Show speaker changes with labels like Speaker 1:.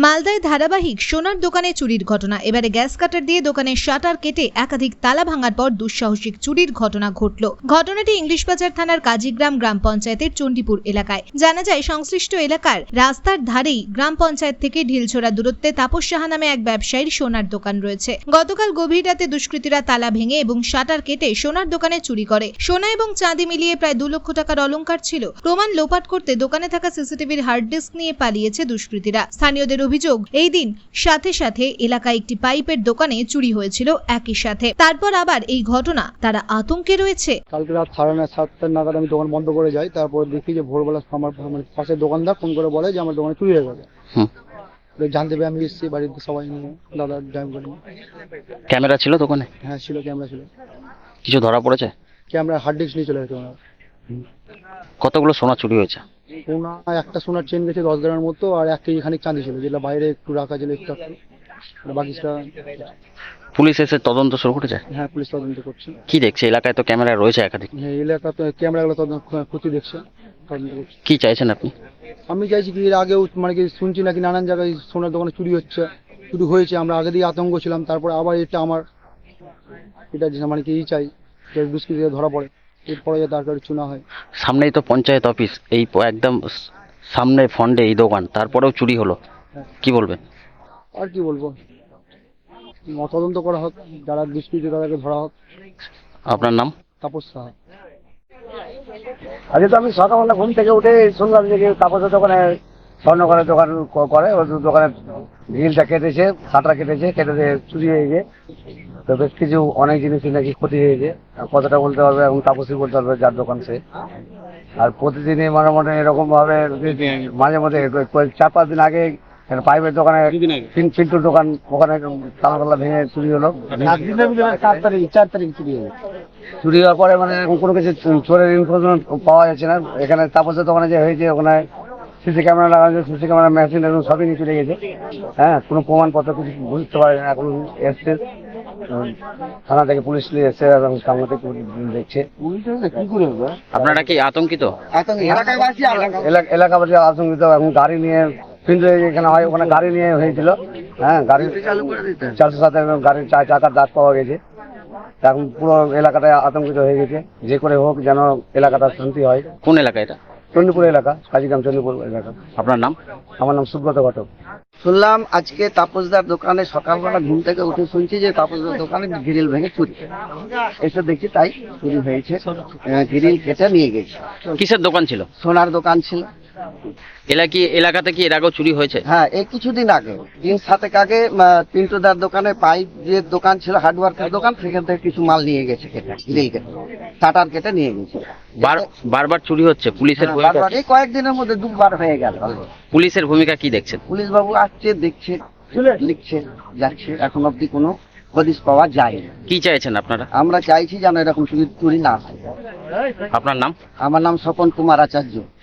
Speaker 1: মালদায় ধারাবাহিক সোনার দোকানে চুরির ঘটনা। এবারে গ্যাস কাটার দিয়ে দোকানের শাটার কেটে একাধিক তালা ভাঙার পর দুঃসাহসিক চুরির ঘটনা ঘটল। ঘটনাটি ইংলিশবাজার থানার কাজীগ্রাম গ্রাম পঞ্চায়েতের চণ্ডীপুর এলাকায়। জানা যায়, সংশ্লিষ্ট এলাকার রাস্তার ধারেই গ্রাম পঞ্চায়েত থেকে ঢিলছোড়া দূরত্বে তাপস সাহা নামে এক ব্যবসায়ীর সোনার দোকান রয়েছে। গতকাল গভীর রাতে দুষ্কৃতীরা তালা ভেঙে এবং শাটার কেটে সোনার দোকানে চুরি করে। সোনা এবং চাঁদি মিলিয়ে প্রায় 2 লক্ষ টাকার অলংকার ছিল। প্রমাণ লোপাট করতে দোকানে থাকা সিসিটিভির হার্ড ডিস্ক নিয়ে পালিয়েছে দুষ্কৃতীরা। স্থানীয়দের অভিযোগ, এই দিন সাথে সাথে এলাকায় একটি পাইপের দোকানে চুরি হয়েছিল একই সাথে। তারপর আবার এই ঘটনা, তারা আতঙ্কে রয়েছে।
Speaker 2: কালকে রাত 7:30 নাগাদ আমি দোকান বন্ধ করে যাই। তারপর দেখি যে ভোরবেলা আমার পাশের দোকানদার ফোন করে বলে যে আমার দোকানে চুরি হয়ে গেছে। জানতে পেরে আমি এসেছি, বাড়িতে সবাই নিয়ে, দাদা ড্রাইভ করে।
Speaker 3: ক্যামেরা ছিল দোকানে?
Speaker 2: হ্যাঁ ছিল, ক্যামেরা ছিল।
Speaker 3: কিছু ধরা পড়েছে?
Speaker 2: ক্যামেরা হার্ড ডিস্ক নিয়ে চলে গেছে।
Speaker 3: কতগুলো সোনা চুরি হয়েছে?
Speaker 2: সোনা একটা সোনার চেন গেছে 10 গ্রামের মতো, আর 1 কেজি খানিক চাঁদি ছিল, যেটা বাইরে একটু রাখা ছিল একটু, বাকিটা।
Speaker 3: পুলিশ এসে তদন্ত শুরু করেছে?
Speaker 2: হ্যাঁ, পুলিশ তদন্ত করছে।
Speaker 3: কি দেখছে? এলাকায় তো ক্যামেরা রয়েছে একাধিক।
Speaker 2: হ্যাঁ, এলাকা তো ক্যামেরাগুলো তদন্ত ক্ষতি দেখছে, তদন্ত করছে।
Speaker 3: কি চাইছেন আপনি?
Speaker 2: আমি চাইছি কি, এর আগেও মানে কি শুনছি নাকি নানান জায়গায় সোনার দোকানে চুরি হয়েছে। আমরা আগে দিয়ে আতঙ্ক ছিলাম, তারপরে আবার এটা মানে কি চাই যে দুষ্কৃতীরা ধরা পড়ে, এরপরে যাতে আর কিছু না হয়।
Speaker 3: সামনেই তো পঞ্চায়েত অফিস, এই একদম সামনে ফন্ডে এই দোকান, তারপরেও চুরি হলো, কি বলবেন?
Speaker 2: আর কি বলবো, তদন্ত করা হোক, যারা দুষ্কৃতী তাদেরকে ধরা হোক।
Speaker 3: আপনার নাম?
Speaker 2: তাপস সাহা।
Speaker 4: আজকে তো আমি সকালবেলা ঘুম থেকে উঠে শুনলাম যে তাপসের দোকানে স্বর্ণকারের দোকান করে, ওই দোকানে গ্রিলটা কেটেছে, শাটার কেটে চুরি হয়ে গিয়ে তো বেশ কিছু অনেক জিনিসই নাকি ক্ষতি হয়েছে। কতটা বলতে পারবে এবং তাপসই বলতে পারবে, যার দোকান সে। আর প্রতিদিনই মোটামুটি এরকম ভাবে মাঝে মধ্যে 4-5 দিন আগে পাইপের দোকানে, পিন্টুর দোকান, ওখানে তালা ভেঙে চুরি হলো। 4 তারিখ চুরি হলো। চুরি হওয়ার পরে মানে এখন কোনো কিছু চোরের ইনফরমেশন পাওয়া যাচ্ছে না। এখানে তাপসের দোকানে যে হয়েছে, ওখানে সিসি ক্যামেরা লাগানো, সিসি ক্যামেরা মেশিন সবই নিয়ে চলে গেছে। হ্যাঁ, কোনো প্রমাণপত্র কিছু বুঝতে পারে না। এখন এসছে থানা থেকে পুলিশ নিয়ে এসছে এবং সামনে থেকে দেখছে।
Speaker 3: আপনারা কি আতঙ্কিত?
Speaker 4: এলাকাবাসী আতঙ্কিত। এখন গাড়ি নিয়ে কিন্তু এখানে হয়, ওখানে গাড়ি নিয়ে হয়েছিল। হ্যাঁ, গাড়ি 407 গাড়ির 4 চাকার দাঁত পাওয়া গেছে। এখন পুরো এলাকাটা আতঙ্কিত হয়ে গেছে। যে করে হোক যেন এলাকাটা শান্তি হয়।
Speaker 3: কোন এলাকা এটা?
Speaker 4: চণ্ডীপুর এলাকা, কাজীগ্রাম চণ্ডীপুর এলাকা।
Speaker 3: আপনার নাম?
Speaker 4: আমার নাম সুব্রত ঘটক।
Speaker 5: শুনলাম আজকে তাপসদার দোকানে সকালবেলা ঘুম থেকে উঠে শুনছি যে তাপসদার দোকানে গ্রিল ভেঙে চুরি। এসে দেখছি তাই চুরি হয়েছে, গ্রিল কেটে নিয়ে গেছে।
Speaker 3: কিসের দোকান ছিল?
Speaker 5: সোনার দোকান ছিল।
Speaker 3: এলাকাতে কি এর আগেও চুরি হয়েছে?
Speaker 5: হ্যাঁ, এই কিছুদিন আগে, 3-7 আগে পিন্টুদার দোকানে পাইপ যে দোকান ছিল, হার্ডওয়ার্কের দোকান, সেখান থেকে কিছু মাল নিয়ে গেছে কেটে, গ্রিল কেটে, শাটার কেটে নিয়ে গেছে।
Speaker 3: বারবার চুরি হচ্ছে। পুলিশের ভূমিকা?
Speaker 5: এই কয়েকদিনের মধ্যে 2 বার হয়ে গেল।
Speaker 3: পুলিশের ভূমিকা কি দেখছেন?
Speaker 5: পুলিশ বাবু আসছে, দেখছে, লিখছে, যাচ্ছে। এখন অব্দি কোনো হদিশ পাওয়া যায় না।
Speaker 3: কি চাইছেন আপনারা?
Speaker 5: আমরা চাইছি যেন এরকম চুরি না হয়।
Speaker 3: আপনার নাম?
Speaker 5: আমার নাম স্বপন কুমার আচার্য।